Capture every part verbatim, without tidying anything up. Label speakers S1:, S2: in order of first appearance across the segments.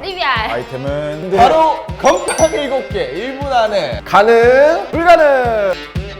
S1: 리비알.
S2: 아이템은
S3: 바로 건빵 일곱 개 일 분 안에 가능 불가능.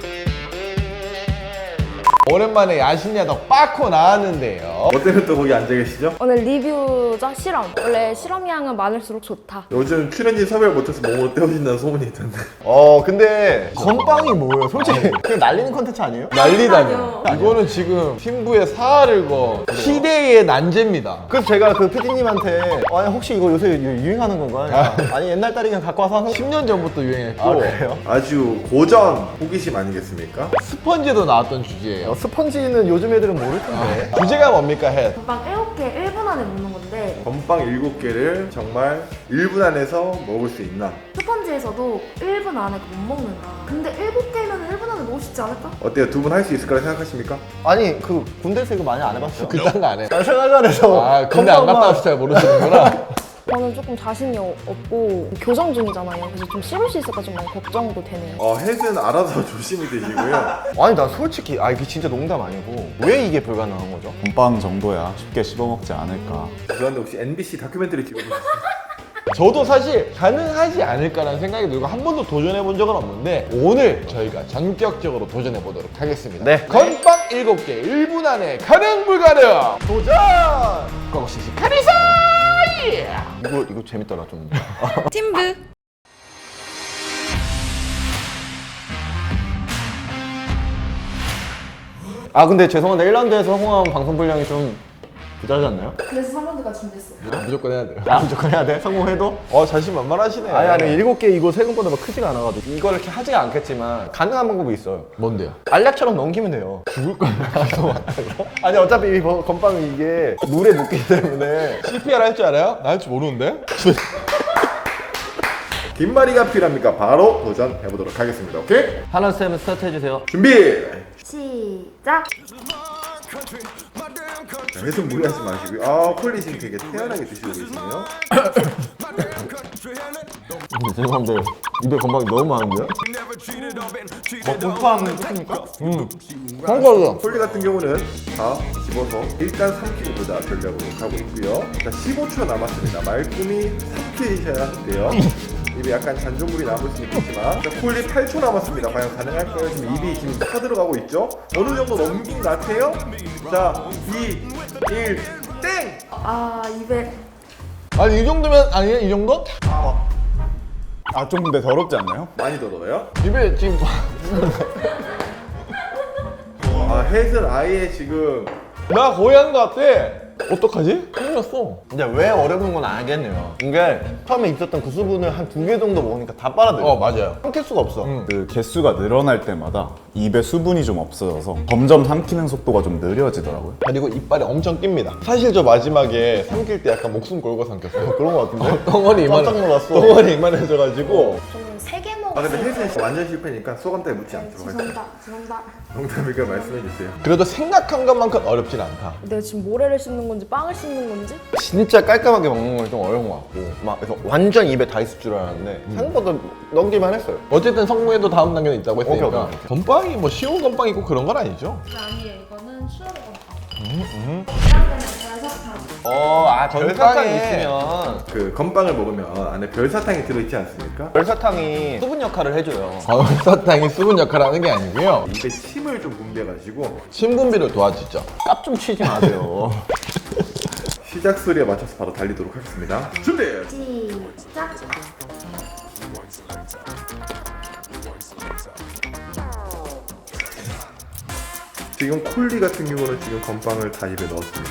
S3: 오랜만에 야신야덕 빠코 나왔는데요.
S4: 뭐 때문에 또 거기 앉아 계시죠?
S1: 오늘 리뷰자 실험. 원래 실험량은 많을수록 좋다.
S4: 요즘 출연진 섭외를 못해서 몸으로 때우신다는 소문이 있던데.
S2: 어 근데 건빵이 뭐예요? 솔직히 그냥 날리는 컨텐츠 아니에요?
S3: 난리다뇨. 이거는 지금 신부의 사활을 거 시대의 난제입니다.
S2: 그래서 제가 그 피디님한테 아니 혹시 이거 요새 유- 유행하는 건가요? 아니 옛날 딸이 그냥 갖고 와서
S3: 십 년 전부터 유행했고
S2: 아 그래요?
S4: 아주 고전 호기심 아니겠습니까?
S3: 스펀지도 나왔던 주제예요.
S2: 어, 스펀지는 요즘 애들은 모를 텐데
S3: 주제가 뭡니까, 해?
S1: 건빵 일곱 개 일 분 안에 먹는 건데
S4: 건빵 일곱 개를 정말 일 분 안에서 먹을 수 있나?
S1: 스펀지에서도 일 분 안에 못 먹는다. 근데 일곱 개면 일 분 안에 먹을 수 있지 않을까?
S4: 어때요? 두 분 할 수 있을 거라 생각하십니까?
S2: 아니 그 군대에서 이거 많이 안 해봤어요?
S3: 그딴 거 안 해.
S2: 아, 생활관에서
S3: 아, 근데 안 갔다 와서 잘 모르시는구나.
S1: 저는 조금 자신이 어- 없고 교정 중이잖아요. 그래서 좀 씹을 수 있을까 좀 많이 걱정도 되네요.
S4: 어, 햇은 알아서 조심히 드시고요.
S2: 아니 나 솔직히 아 이게 진짜 농담 아니고 왜 이게 불가능한 거죠?
S5: 건빵 정도야 쉽게 씹어먹지 않을까.
S4: 그런데 혹시 엠비씨 다큐멘터리 찍어보셨어요?
S3: 저도 사실 가능하지 않을까라는 생각이 들고 한 번도 도전해 본 적은 없는데 오늘 저희가 전격적으로 도전해 보도록 하겠습니다.
S2: 네.
S3: 건빵 일곱 개 일 분 안에 가능 불가능
S2: 도전!
S3: 고고시시 카리사!
S2: 이거 이거 재밌더라 좀.
S1: 팀브.
S2: 아 근데 죄송한데 일 라운드에서 성공한 방송 분량이 좀 부자지 않나요?
S1: 그래서 삼 라운드까지 준비했어요.
S3: 무조건 해야 돼요.
S2: 야 무조건 해야 돼? 성공해도?
S3: 어 자신만만하시네.
S2: 아니 아니 일곱 개 이거 생각보다 막 크지가 않아가지고 이걸 이렇게 하지가 않겠지만 가능한 방법이 있어요.
S3: 뭔데요?
S2: 알약처럼 넘기면 돼요. 죽을 거야. 아니 어차피 이 거- 건빵은 이게 물에 묻기 때문에
S3: 씨피알 할 줄 알아요? 나 할 줄 모르는데?
S4: 김말이가 필요합니까? 바로 도전해보도록 하겠습니다. 오케이?
S2: 하나 쌤 스타트 해주세요.
S4: 준비!
S1: 시작.
S4: 자, 햇은 무리하지 마시고요. 아, 콜리 지금 되게 태연하게 드시고 계시네요.
S2: 죄송한데 입에 건빵이 너무 많은데요? 뭐 공파하면 끝입니까?
S3: 한거죠.
S4: 콜리 같은 경우는 다 집어서 일단 삼키고 보자 전략으로 가고 있고요. 자, 십오 초 남았습니다. 말끔히 삼키셔야 하는데요. 입에 약간 잔존물이 남을 수 있겠지만 자, 콜리 팔 초 남았습니다. 과연 가능할까요? 지금 입이 지금 타 들어가고 있죠? 어느 정도 넘긴 것 같아요? 자, 이, 일, 땡!
S1: 아 입에
S3: 아니 이 정도면 아니에요? 이 정도?
S5: 아 좀 근데 더럽지 않나요?
S4: 많이 더러워요?
S3: 입에 지금
S4: 아, 햇은 아예 지금
S3: 나 거의 한 거 같아. 어떡하지? 큰일 났어.
S2: 근데 왜 어려운 건 알겠네요. 이게 처음에 있었던 그 수분을 한 두 개 정도 먹으니까 다 빨아들여.
S3: 어 맞아요.
S2: 삼킬 수가 없어.
S3: 음.
S5: 그 개수가 늘어날 때마다 입에 수분이 좀 없어져서 점점 삼키는 속도가 좀 느려지더라고요.
S3: 그리고 이빨이 엄청 낍니다. 사실 저 마지막에 삼킬 때 약간 목숨 걸고 삼켰어요.
S2: 그런 거 같은데?
S3: 덩어리 이만
S2: 깜짝 놀랐어.
S3: 덩어리 이만해져가지고
S1: 저는 세 개
S4: 아 근데
S1: 먹었어요.
S4: 혜진이 완전 실패니까 소감 따위 묻지 않도록 하겠습니다.
S1: 죄송합니다. 죄송합니다.
S4: 농담이니까 말씀해주세요.
S3: 그래도 생각한 것만큼 어렵진 않다.
S1: 내가 지금 모래를 씹는 건지 빵을 씹는 건지
S2: 진짜 깔끔하게 먹는 건 좀 어려운 것 같고 막 그래서 완전 입에 다 있을 줄 알았는데 생각보다 넘기만 했어요.
S3: 어쨌든 성공해도 다음 단계는 있다고 했으니까
S2: 오케이, 오케이, 오케이.
S3: 건빵이 뭐 쉬운 건빵이 있고 그런 건 아니죠?
S1: 아니에요. 이거는 수혈의 건빵.
S3: 음,
S1: 계란되면 별사탕.
S2: 어, 아
S3: 별사탕에-
S2: 별사탕이 있으면
S4: 그 건빵을 먹으면 안에 별사탕이 들어있지 않습니까?
S2: 별사탕이 수분 역할을 해줘요.
S3: 사탕이 수분 역할을 하는 게 아니고요.
S4: 입에 침을 좀 분비해가지고
S3: 신분비를 도와주죠.
S2: 깝 좀 치지 마세요.
S4: 시작 소리에 맞춰서 바로 달리도록 하겠습니다. 준비!
S1: 시작.
S4: 지금 콜리 같은 경우는 지금 건빵을 다 입에 넣었습니다.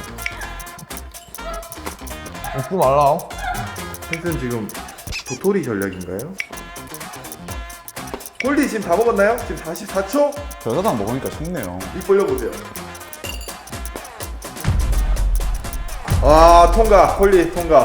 S3: 웃지 말라.
S4: 햇은 지금 도토리 전략인가요? 콜리 지금 다 먹었나요? 지금 사십사 초?
S5: 별사탕 먹으니까 쉽네요.
S4: 입 벌려보세요. 아 통과! 콜리 통과!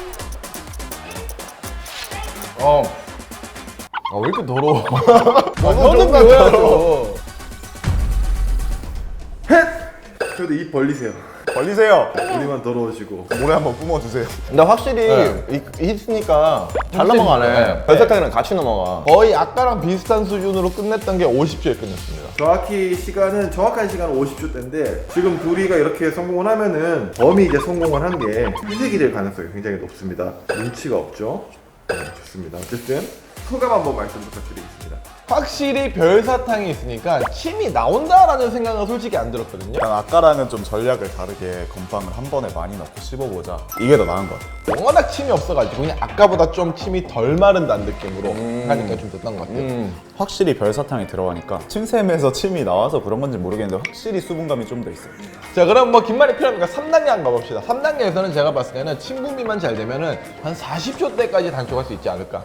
S3: 어. 아, 왜 이렇게 더러워?
S2: 너무
S3: 너는
S2: 좋은 것
S3: 배워야죠.
S4: 헷! 저도 입 벌리세요.
S5: 걸리세요.
S4: 우리만 더러워지고.
S5: 모래 한번 뿜어주세요.
S2: 근데 확실히
S3: 네.
S2: 이- 있으니까 잘
S3: 네.
S2: 넘어가네. 별사탕이랑 같이 넘어가.
S3: 거의 아까랑 비슷한 수준으로 끝냈던 게 오십 초에 끝냈습니다.
S4: 정확히 시간은 정확한 시간은 오십 초 대인데 지금 둘이가 이렇게 성공을 하면은 범이 이제 성공을 한 게 회색이 될 가능성이 굉장히 높습니다. 눈치가 없죠. 네, 좋습니다. 어쨌든 소감 한번 말씀 부탁드리겠습니다.
S3: 확실히 별사탕이 있으니까 침이 나온다라는 생각은 솔직히 안 들었거든요.
S5: 난 아까랑은 좀 전략을 다르게 건빵을 한 번에 많이 넣고 씹어보자. 이게 더 나은 것 같아.
S3: 워낙 침이 없어가지고 그냥 아까보다 좀 침이 덜 마른다는 느낌으로 하니까 좀 됐던 것 같아요.
S2: 음.
S5: 확실히 별사탕이 들어가니까 침샘에서 침이 나와서 그런 건지 모르겠는데 확실히 수분감이 좀 더 있어요.
S3: 자, 그럼 뭐 긴 말이 필요하니까 삼 단계 한번 가봅시다. 삼 단계에서는 제가 봤을 때는 침 분비만 잘 되면은 한 사십 초 대까지 단축할 수 있지 않을까.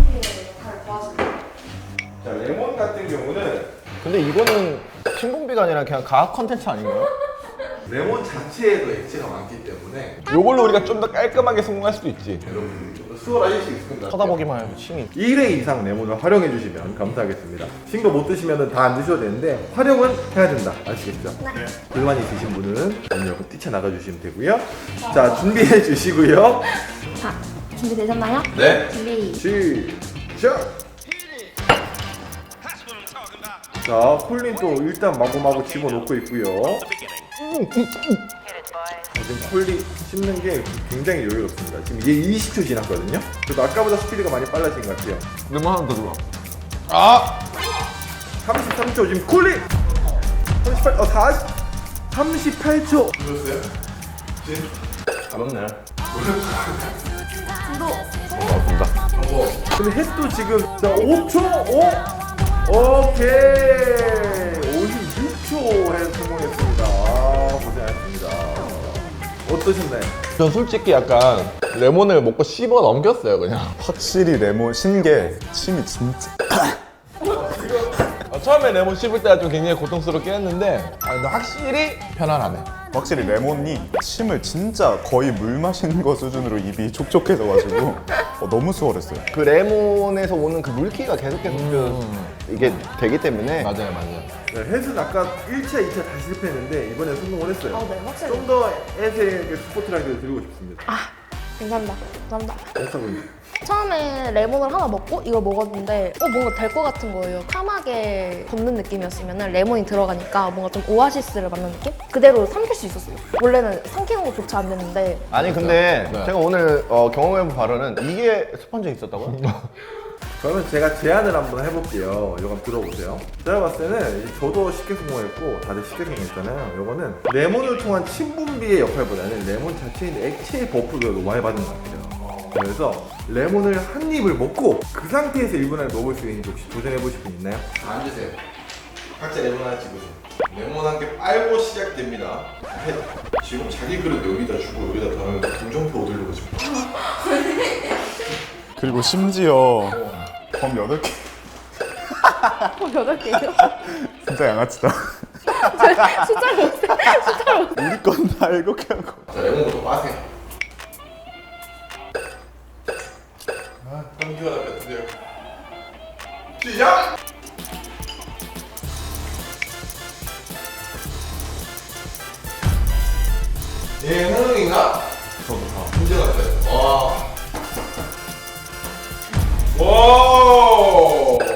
S4: 자, 레몬 같은 경우는
S2: 근데 이거는 신분비가 아니라 그냥 과학 컨텐츠 아닌가요?
S4: 레몬 자체에도 액체가 많기 때문에
S3: 요걸로 우리가 좀 더 깔끔하게 성공할 수도 있지.
S4: 여러분들이 좀 더 수월하실 수 있을 것 같아요.
S2: 쳐다보기만 해도 침이.
S4: 일 회 이상 레몬을 활용해 주시면 감사하겠습니다. 신 거 못 드시면 다 안 드셔도 되는데 활용은 해야 된다. 아시겠죠? 네. 불만 있으신 분은 오늘 뛰쳐나가 주시면 되고요. 자, 준비해 주시고요.
S1: 자, 준비되셨나요?
S3: 네.
S1: 준비.
S4: 시작! 자, 콜린 또 일단 마구마구 집어넣고 있고요. 지금 콜리 씹는 게 굉장히 여유롭습니다. 지금 이게 이십 초 지났거든요. 그래도 아까보다 스피드가 많이 빨라진 것 같아요.
S3: 레몬 하나 더 들어. 아!
S4: 삼십삼 초 지금 콜리! 삼십팔, 어, 사십, 삼십팔 초! 들었어요?
S2: 가볍네.
S4: 근데 햇도 지금 자 오 초! 오! 오케이! 오십육 초 해 성공했습니다. 아, 고생하셨습니다. 어떠셨나요?
S3: 전 솔직히 약간 레몬을 먹고 씹어 넘겼어요, 그냥.
S5: 확실히 레몬 신게 침이 진짜
S3: 어, 처음에 레몬 씹을 때가 좀 굉장히 고통스럽긴 했는데 아, 근데 확실히 편안하네.
S5: 확실히 레몬이 침을 진짜 거의 물 마시는 거 수준으로 입이 촉촉해져가지고 어, 너무 수월했어요.
S2: 그 레몬에서 오는 그 물기가 계속 계속
S3: 음.
S2: 이게 되기 때문에
S3: 맞아요, 맞아요.
S4: 네, 햇은 아까 일 차, 이 차 다 실패했는데 이번에 성공을 했어요.
S1: 어, 네, 확실히.
S4: 좀 더 햇에게 스포트라이트를 드리고 싶습니다.
S1: 아, 감사합니다. 감사합니다.
S4: 햇사분.
S1: 처음에 레몬을 하나 먹고 이걸 먹었는데 어 뭔가 될 것 같은 거예요. 까맣게 걷는 느낌이었으면 레몬이 들어가니까 뭔가 좀 오아시스를 맞는 느낌? 그대로 삼킬 수 있었어요. 원래는 삼키는 것조차 안 됐는데
S2: 아니 근데
S3: 네.
S2: 제가 오늘 어, 경험해본 바로는 이게 스펀지에 있었다고요?
S4: 그러면 제가 제안을 한번 해볼게요. 이거 한번 들어보세요. 제가 봤을 때는 이제 저도 쉽게 성공했고 다들 쉽게 성공했잖아요. 이거는 레몬을 통한 침분비의 역할보다는 레몬 자체에 있는 액체의 버프를 너무 많이 받은 것 같아요. 그래서 레몬을 한 입을 먹고 그 상태에서 일 분 안에 먹을 수 있는지 혹시 도전해보실 분 있나요?
S6: 앉으세요. 각자 레몬 하나 집으세요. 레몬 한 개 빨고 시작됩니다. 지금 자기 그릇 여기다 주고 여기다 담으면 동정표 얻으려고 지금.
S5: 그리고 심지어 범 여덟 개
S1: 어, 여덟 개요?
S5: 진짜 양아치다.
S1: 숫자를 못해. 숫자를 못해.
S5: 우리 건 다 일곱 개 하고.
S6: 자, 레몬부터 빠세요. 아, 감기가 나겠는데요. 시작! 예, 하능인가? 저도 다. 문제 같아요. 와. 와.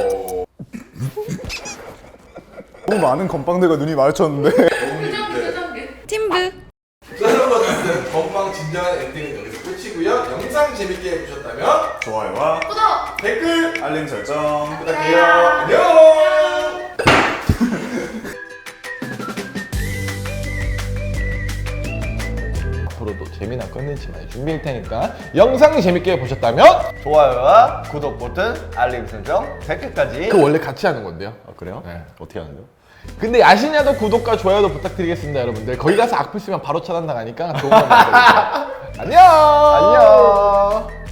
S5: 너무 많은 건빵들과 눈이 마주쳤는데
S1: 팀브.
S6: 자, 여러분, 건빵 진정한 엔딩은 여기서 끝이고요. 영상 재밌게 보셨다면
S5: 좋아요와
S6: 댓글
S5: 알림 설정
S6: 부탁해요. 안녕.
S3: 앞으로도 재미난 컨텐츠 많이 준비할 테니까 영상 재밌게 보셨다면
S2: 좋아요와 구독 버튼, 알림 설정, 댓글까지.
S3: 그 원래 같이 하는 건데요.
S2: 아, 그래요?
S3: 네.
S2: 어떻게 하는데요?
S3: 근데 아시냐도 구독과 좋아요도 부탁드리겠습니다, 여러분들. 거기 가서 악플 쓰면 바로 차단당하니까 좋은 거 만들어주세요. 안녕.
S2: 안녕.